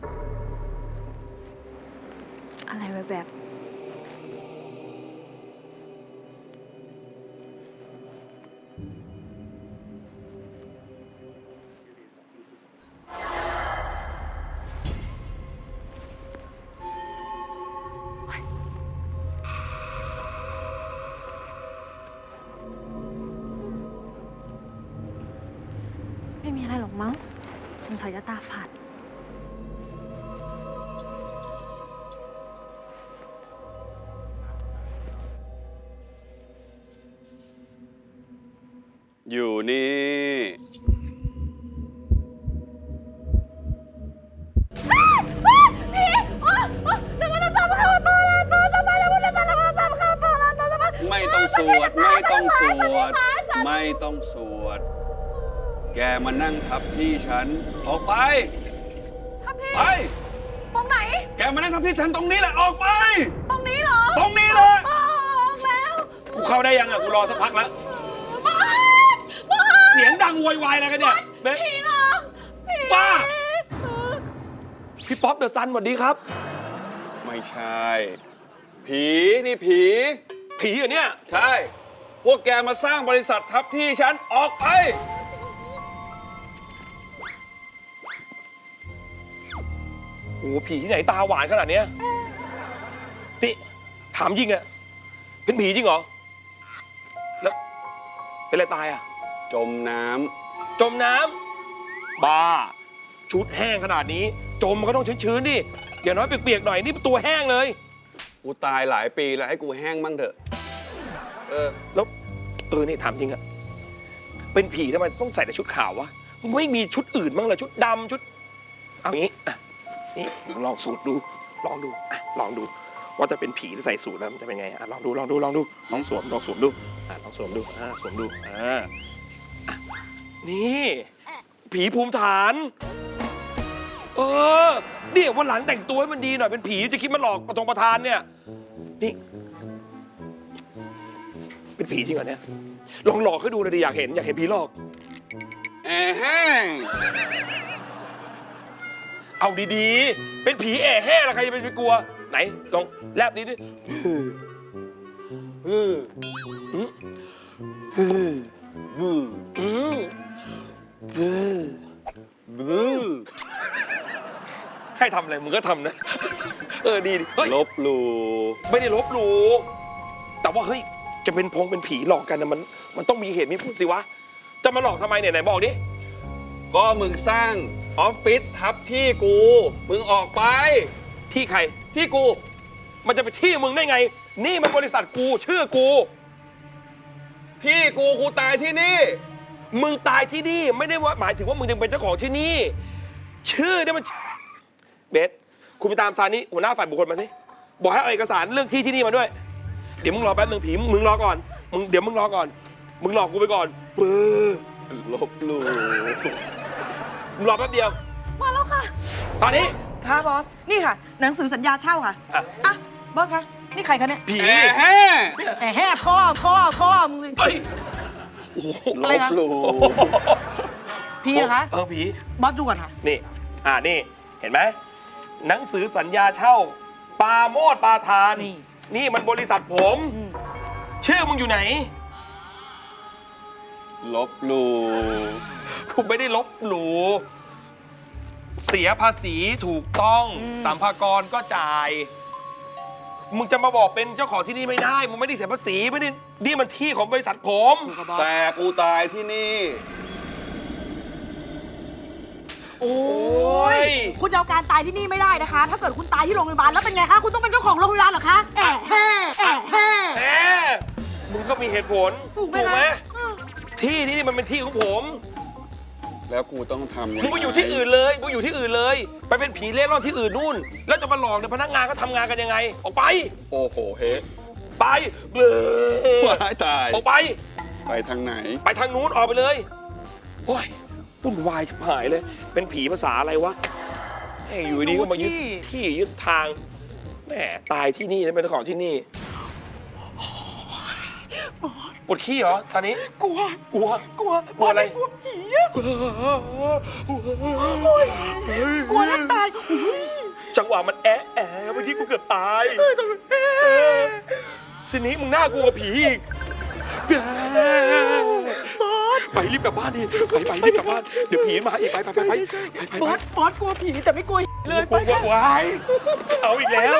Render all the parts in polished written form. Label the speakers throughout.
Speaker 1: อะไรแบบ ไม่มีอะไรหรอกมั้งสงสัยจะตาฝาด
Speaker 2: อยู่นี่ไม่ต้องสวดไม่ต้องสวดไม่ต้องสวดแกมานั่งทับที่ฉันออกไปไป
Speaker 1: ตรงไหน
Speaker 2: แกมานั่งทับที่ฉันตรงนี้แหละออกไป
Speaker 1: ตรงนี้เหรอ
Speaker 2: ตรงนี้เลย
Speaker 1: ออกแล้ว
Speaker 2: กูเข้าได้ยังอ่ะกูรอสักพักแล้ว
Speaker 1: บอสบอส
Speaker 2: เสียงดังโวยวายอะไรกันเนี่ยเบ๊
Speaker 1: ผีหลอกผี
Speaker 2: ป้าพี่ป๊อปเดอะซันสวัสดีครับไม่ใช่ผีนี่ผีเหรอเนี่ยใช่พวกแกมาสร้างบริษัททับที่ฉันออกไปโอ้ผีที่ไหนตาหวานขนาดเนี้ยนี่ถามจริงอะเป็นผีจริงเหรอแล้วเป็นอะไรตายอะจมน้ำบ้าชุดแห้งขนาดนี้จมมันก็ต้องชื้นๆดิอย่างน้อยเปียกๆหน่อยนี่ตัวแห้งเลยกูตายหลายปีแล้วให้กูแห้งบ้างเถอะแล้วนี่ถามจริงอะเป็นผีทำไมต้องใส่แต่ชุดขาววะมึงไม่มีชุดอื่นบ้างเหรอชุดดำชุดเอางี้อ่ะนี่ลองสูตรดูลองดูอ่ะลองดูว่าจะเป็นผีที่ใส่สูตรแล้วมันจะเป็นไงอ่ะลองดูลองสวมดูอ่ะลองสวมดูสวมดูนี่ผีภูมิฐานเนี่ยวันหลังแต่งตัวให้มันดีหน่อยเป็นผีจะคิดมาหลอกประธานเนี่ยนี่เป็นผีจริงเหรอเนี่ยลองหลอกให้ดูเลยดิอยากเห็นผีหลอกแห้งเอาดีๆเป็นผีแห้งแล้วใครจะไปกลัวไหนลองแลบดิให้ทำอะไรมึงก็ทำนะดีเฮ้ยลบหลู่ไม่ได้ลบหลู่แต่ว่าเฮ้ยจะเป็นผีหลอกกันนะมันต้องมีเหตุมีผลสิวะจะมาหลอกทำไมเนี่ยไหนบอกดิก็มึงสร้างออฟฟิศทับที่กูมึงออกไปที่ใครที่กูมันจะไปที่มึงได้ไงนี่มันบริษัทกูชื่อกูที่กูตายที่นี่มึงตายที่นี่ไม่ได้ว่าหมายถึงว่ามึงยังเป็นเจ้าของที่นี่ชื่อเนี่ยมันเบสคุณไปตามซานี่หัวหน้าฝ่ายบุคคลมาสิบอกให้เอาเอกสารเรื่องที่นี่มาด้วยเดี๋ยวมึงรอแป๊บนึงผีมึงรอก่อนเดี๋ยวมึงรอก่อนมึงหลอกกูไปก่อนลบหลู่มึงรอแป๊บเดียว
Speaker 1: มาแล้วค่ะ
Speaker 2: ซานี่
Speaker 3: ค่ะบอสนี่ค่ะหนังสือสัญญาเช่าค่ะอ่ะบอสคะนี่ใครคะเนี่ย
Speaker 2: ผี
Speaker 3: แห่พ่อมึงสิ
Speaker 2: เฮ้ย
Speaker 3: อะไรนะผีเหรอคะ
Speaker 2: ผี
Speaker 3: บอสดูก่อนค่ะ
Speaker 2: นี่นี่เห็นไหมหนังสือสัญญาเช่าปาโมดปาทานนี่มันบริษัทผมชื่อมึงอยู่ไหนลบหลู่กูไม่ได้ลบหลู่เสียภาษีถูกต้องสัมภากรก็จ่ายมึงจะมาบอกเป็นเจ้าของที่นี่ไม่ได้มึงไม่ได้เสียภาษีไม่ได้นี่มันที่ของบริษัทผมแต่กูตายที่นี่โอ้ย
Speaker 3: คุณจะเอาการตายที่นี่ไม่ได้นะคะ ถ้าเกิดคุณตายที่โรงพยาบาลแล้วเป็นไงคะคุณต้องเป็นเจ้าของโรงพยาบาลเหรอคะ
Speaker 2: มึงก็มีเหตุผลถูกไหมที่นี่มันเป็นที่ของผมแล้วกูต้องทำยังไงมึงไปอยู่ที่อื่นเลยมึงอยู่ที่อื่นเลยไปเป็นผีเล่ร่อนที่อื่นนู่นแล้วจะมาหลอกเนี่ยพนักงานเขาทำงานกันยังไงออกไปโอ้โหเฮ้ไปเบื่อตายออกไปทางไหนไปทางนู้นออกไปเลยโอ้ยวุ่นวายชิบหายเลยเป็นผีภาษาอะไรวะอยู่ดีก็มายึดที่ยึดทางแหมตายที่นี่แล้วเป็นเจ้าของที่นี่ปวดขี้เหรอตอนนี้กลัวอะไรกลัวผี
Speaker 3: กลัวแทบตาย
Speaker 2: จังหวะมันแอะเมื่อกี้กูเกือบตายทีนี้มึงน่ากลัวกว่าผีอีกไปรีบกลับบ้านดิไปรีบกลับบ้านเดี๋ยวผีมาอีกไป
Speaker 3: บอสกลัวผีแต่ไม่กลัวเลย
Speaker 2: กลัวไว้เอาอีกแล้ว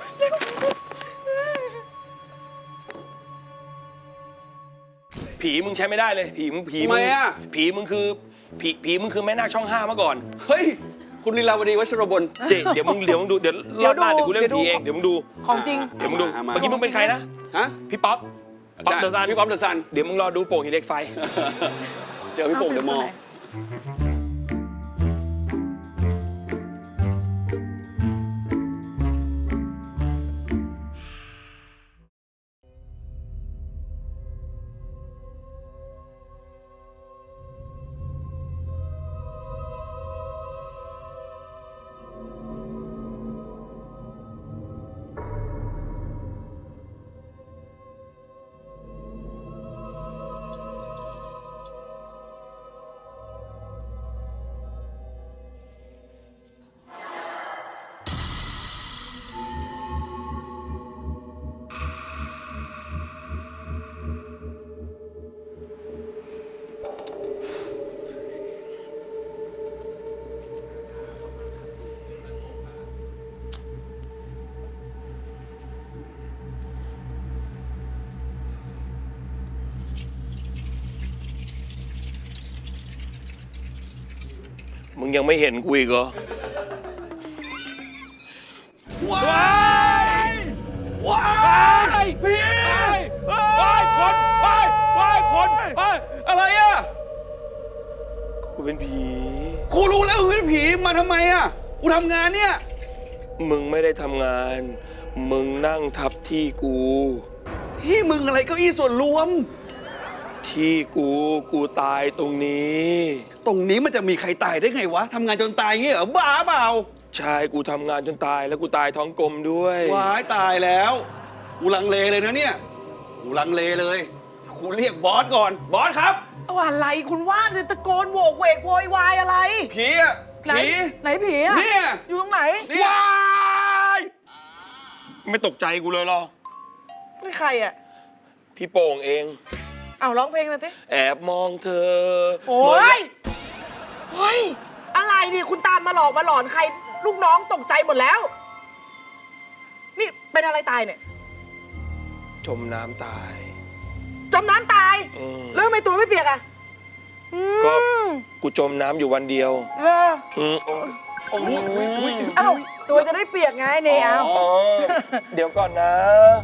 Speaker 2: ผีมึงใช้ไม่ได้เลยผีมึง
Speaker 4: ทำไมอ่ะ
Speaker 2: ผีมึงคือผีมึงคือแม่นาคช่อง 5เมื่อก่อน
Speaker 4: เฮ้ย คุณลีลาวดีวัชรบล
Speaker 2: เดี๋ยวมึงดูเดี๋ยวรอบหน้าเดี๋ยวกูเล่นผีเองเดี๋ยวมึงดู
Speaker 3: ของจริง
Speaker 2: เดี๋ยวมึงดูเมื่อกี้มึงเป็นใครนะ
Speaker 4: ฮะ
Speaker 2: พี่ป๊อปเดอะซัน
Speaker 4: พี่ป๊อปเดอะซัน
Speaker 2: เดี๋ยวมึงรอดูโป่งหินเหล็กไฟ
Speaker 4: เจอพี่โป่งเดอะมอลล์
Speaker 2: มึงยังไม่เห็นกูอีกเหรอ
Speaker 4: ว้าย
Speaker 2: ว้ายพี่ว้ายคนว้ายคน
Speaker 4: อะไรอ่ะ
Speaker 2: กูเป็นผี
Speaker 4: กูรู้แล้วมึงเป็นผีมาทำไมอ่ะ กูทำงานเนี่ย
Speaker 2: มึงไม่ได้ทำงาน มึงนั่งทับที่กู
Speaker 4: ที่มึงอะไรเก้าอี้ส่วนรวม
Speaker 2: ที่กูตายตรงนี้
Speaker 4: ตรงนี้มันจะมีใครตายได้ไงวะทำงานจนตายเงี้ยเหรอบ้าเปล่า
Speaker 2: ใช่กูทำงานจนตายแล้วกูตายท้องกลมด้วย
Speaker 4: ว้ายตายแล้ว กูลังเลเลยนะเนี่ย กูลังเลเลยกูเรียกบอสก่อน บอสครับ
Speaker 3: เอาอะไรคุณว่าจะตะโกนโวกเวกโวยวายอะไร
Speaker 4: ผีอ่ะ
Speaker 3: ไหน
Speaker 4: ผี
Speaker 3: ไหนผีอะ
Speaker 4: เนี่ย
Speaker 3: อยู่ตรงไหน
Speaker 4: เนี่ย
Speaker 2: ว้ายไม่ตกใจกูเลยเหรอ
Speaker 3: นี่ใครอ่ะ
Speaker 2: พี่โป่งเอง
Speaker 3: เอาร้องเพลงมาสิ
Speaker 2: แอบมองเธอ
Speaker 3: โอ้ยเฮ้ยอะไรดิคุณตามมาหลอกมาหลอนใคร ลูกน้องตกใจหมดแล้ว นี่เป็นอะไรตายเนี่ย
Speaker 2: จมน้ำตาย
Speaker 3: จมน้ำตาย
Speaker 2: อืม
Speaker 3: แล้วทำไมตัวไม่เปียกอ่ะ
Speaker 2: ก็
Speaker 3: อืม
Speaker 2: กูจมน้ำอยู่วันเดียว
Speaker 3: เลอ
Speaker 2: อืม
Speaker 4: โอ้ย
Speaker 3: เอ้าตัวจะได้เปียกไงเนี่ยเอา
Speaker 2: อ๋อเดี๋ยวก่อนนะ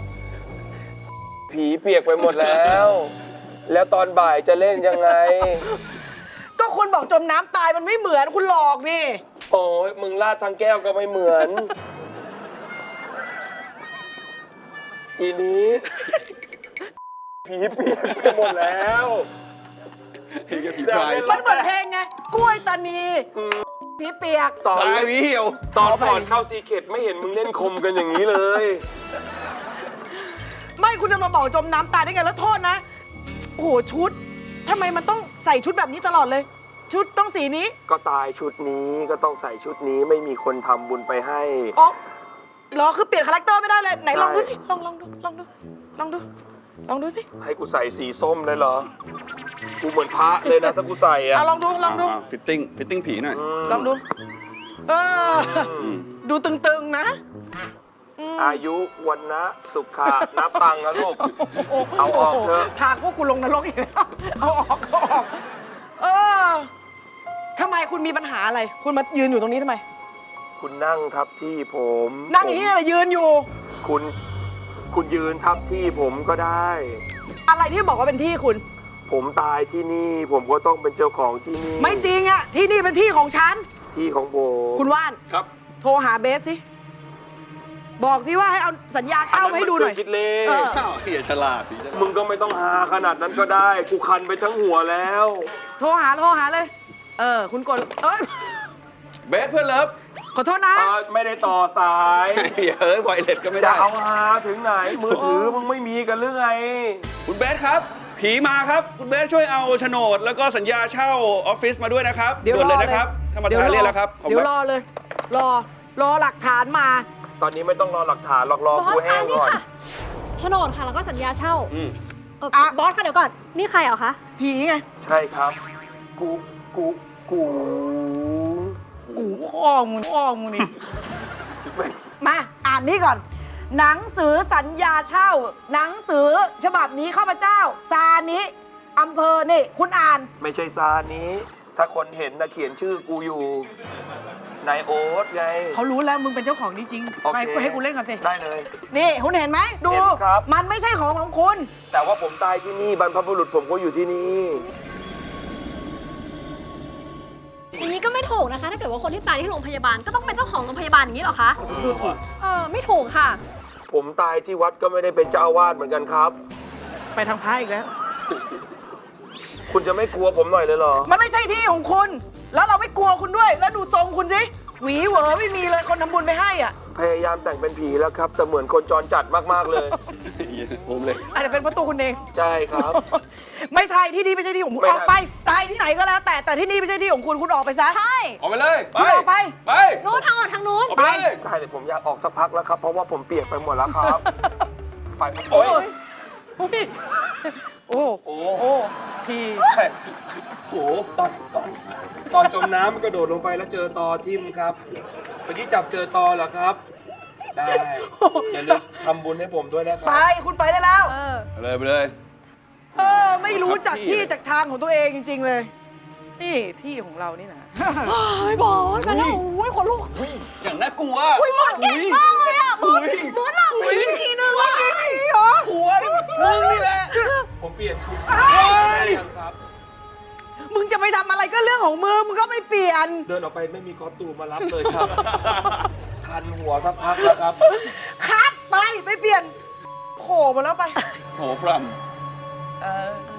Speaker 2: ผีเปียกไปหมดแล้ว แล้วตอนบ่ายจะเล่นยังไง
Speaker 3: ก็คุณบอกจมน้ำตายมันไม่เหมือนคุณหลอกนี่
Speaker 2: โอ้ยมึงลาดทางแก้วก็ไม่เหมือน อีนี้ผีเปียกไปหมดแล้ว
Speaker 4: ผีกับผีพราย
Speaker 3: มันเหมือนเพลงไงกล้วยตานีผีเปียก
Speaker 2: ตอน
Speaker 4: ตายพี่เหี่ยว
Speaker 2: ตอนก่อนเข้าซีเคร็ตไม่เห็นมึงเล่นคมกันอย่างนี้เลย
Speaker 3: ไม่คุณจะมาบอกจมน้ำตายได้ไงแล้วโทษนะ โอ้โหชุดทำไมมันต้องใส่ชุดแบบนี้ตลอดเลย ชุดต้องสีนี้
Speaker 2: ก็ตายชุดนี้ก็ต้องใส่ชุดนี้ไม่มีคนทำบุญไปให้
Speaker 3: อ๋อเหรอคือเปลี่ยนคาแรคเตอร์ไม่ได้เลยไหนลองดูสิลองดูสิ
Speaker 2: ให้กูใส่สีส้มเลยเหรอ กูเหมือนพระเลยนะถ้ากูใส่อะ
Speaker 3: เอาลองดู
Speaker 4: ฟิตติ้งผีหน่อย
Speaker 3: ลองดูเออ
Speaker 4: อืม
Speaker 3: ดูตึงๆนะม
Speaker 2: อายุวันนะสุขะนับตังค์นะลูก เอาออกเถอะ
Speaker 3: พาพวกกูลงนรกอีกแล้วเอาออกเออทำไมคุณมีปัญหาอะไร คุณมายืนอยู่ตรงนี้ทำไม
Speaker 2: คุณนั่งทับที่ผม
Speaker 3: นั่งอย่างนี้อะไรยืนอยู่
Speaker 2: คุณยืนทับที่ผมก็ได้
Speaker 3: อะไรที่บอกว่าเป็นที่คุณ
Speaker 2: ผมตายที่นี่ ผมก็ต้องเป็นเจ้าของที่นี่
Speaker 3: ไม่จริงอะที่นี่เป็นที่ของฉัน
Speaker 2: ที่ของผม
Speaker 3: คุณว่าน
Speaker 4: ครับ
Speaker 3: โทรหาเบสสิ บอกสิว่าให้เอาสัญญาเช่ามาให้ดูหน่อย
Speaker 2: คิดเล
Speaker 3: เออ
Speaker 4: อ้าวเฮียฉลาดผีฉลาด
Speaker 2: มึงก็ไม่ต้องหาขนาดนั้นก็ได้ กูคันไปทั้งหัวแล้ว
Speaker 3: โทรหาเลย คุณกดเอ้ย
Speaker 4: เบสเพื่อนเลิฟ
Speaker 3: ขอโทษนะ
Speaker 2: ไม่ได้ต่อสาย
Speaker 4: เฮ้ยไวเลสก็ไม่
Speaker 2: จะ
Speaker 4: ได้
Speaker 2: เอาหาถึงไหน มือถือมึงไม่มีกันหรือไง
Speaker 4: คุณเบสครับผีมาครับ คุณเบสช่วยเอาโฉนดแล้วก็สัญญาเช่าออฟฟิศมาด้วยนะครับ
Speaker 3: เดี๋ยว
Speaker 4: ด่วน
Speaker 3: รอ
Speaker 4: เลยนะครับธรรมดาเรียกแล้วครับขอบ
Speaker 3: เดี๋ยว
Speaker 4: คุณ
Speaker 3: รอเลย รอหลักฐานมา
Speaker 2: ตอนนี้ไม่ต้องรอหลักฐานหรอกรอบ
Speaker 1: อ
Speaker 2: กู
Speaker 1: ส
Speaker 2: แห้
Speaker 1: คะ
Speaker 2: ง
Speaker 1: นี่
Speaker 2: ก่อน
Speaker 1: ค่ะโฉนดค่ะแล้วก็สัญญาเช่า
Speaker 4: อืม
Speaker 1: บอสค่ะเดี๋ยวก่อน นี่ใครเหรอคะ
Speaker 3: ผีไง
Speaker 2: ใช่ครับ กู
Speaker 3: กูพ่อมึงนี่ มาอ่านนี่ก่อน หนังสือสัญญาเช่า หนังสือฉบับนี้ข้าพเจ้า ซานิอำเภอนี่ คุณอ่าน
Speaker 2: ไม่ใช่ซานี้ ถ้าคนเห็นนะเขียนชื่อกูอยู่นายโอ๊ตไง
Speaker 3: เขารู้แล้วมึงเป็นเจ้าของนี่จริง
Speaker 2: โอเค
Speaker 3: ให้กูเล่นก่อนสิ
Speaker 2: ได้เลย
Speaker 3: นี่คุณเห็นไหมดู
Speaker 2: เห็นครับ
Speaker 3: มันไม่ใช่ของคุณ
Speaker 2: แต่ว่าผมตายที่นี่บรรพบุรุษผมก็อยู่ที่นี่
Speaker 1: อย่างนี้ก็ไม่ถูกนะคะ ถ้าเกิดว่าคนที่ตายที่โรงพยาบาลก็ต้องเป็นเจ้าของโรงพยาบาลอย่างนี้เหรอคะไม่ถูกค่ะ
Speaker 2: ผมตายที่วัดก็ไม่ได้เป็นเจ้าอาวาสเหมือนกันครับ
Speaker 3: ไปทางพระอีกแล้ว
Speaker 2: คุณจะไม่กลัวผมหน่อยเลยเหรอ
Speaker 3: มันไม่ใช่ที่ของคุณ แล้วเราไม่กลัวคุณด้วย แล้วดูทรงคุณสิ หวีเหวอไม่มีเลยคนทำบุญไปให้อ่ะ
Speaker 2: พยายามแต่งเป็นผีแล้วครับ แต่เหมือนคนจรจัดมากๆเลย
Speaker 4: ผมเลย
Speaker 3: อาจจะเป็นประตูคุณเอง
Speaker 2: ใช่ครับ
Speaker 3: ไม่ใช่ที่นี่ไม่ใช่ที่ของคุณ
Speaker 2: ไม่
Speaker 3: อ
Speaker 2: ได้
Speaker 3: อกไป ตายที่ไหนก็แล้ว แต่ที่นี่ไม่ใช่ที่ของคุณ คุณออกไปซะ
Speaker 1: ใช่
Speaker 4: ออกไปเลย ไป
Speaker 3: คุณออกไป
Speaker 4: ไป
Speaker 1: นู้นทางออกทางนู้น
Speaker 4: ออกไปเลย
Speaker 2: ได้เลยผมอยากออกสักพักแล้วครับ เพราะว่าผมเปียกไปหมดแล้วครับ ไป
Speaker 3: โอ้
Speaker 2: โอ้
Speaker 3: ย
Speaker 2: ย
Speaker 3: โอ้
Speaker 2: โอ้
Speaker 3: โอ้พี่
Speaker 2: ใช่โอ้โหตอนจมน้ำมันกระโดดลงไปแล้วเจอตอทิ่มครับเมื่อกี้จับเจอตอเหรอครับ ได้ อย่าลืมทำบุญให้ผมด้วยนะค
Speaker 3: ไป
Speaker 2: รับ
Speaker 3: คุณไปได้แล้ว
Speaker 4: ไปเลยไปเลย
Speaker 3: ไม่รู้จัก
Speaker 4: ครับที่
Speaker 3: ที่จากทางของตัวเองจริง ๆ เลย นี่ที่ของเรานี่นะ
Speaker 1: เฮ้ยบอสมาแล้วโอ้ยขนลุก
Speaker 4: อย่างน่ากลัว
Speaker 1: อุ้ยบอสเก่งมากเลยอ่ะบอสบอสหลับผีทีนึงอ่ะ
Speaker 4: กลัวนี่มึงนี่แหละ
Speaker 2: ผมเปลี่ยนชุด
Speaker 4: เฮ้ย
Speaker 2: ครับ
Speaker 3: มึงจะไปทำอะไรก็เรื่องของมึง มึงก็ไม่เปลี่ยน
Speaker 2: เดินออกไปไม่มีคอสตูมมารับเลยครับ คันหัวสักพักแล้วครับ
Speaker 3: คัดไปไม่เปลี่ยนโผล่มาแล้วไป
Speaker 4: โหพร
Speaker 3: เออ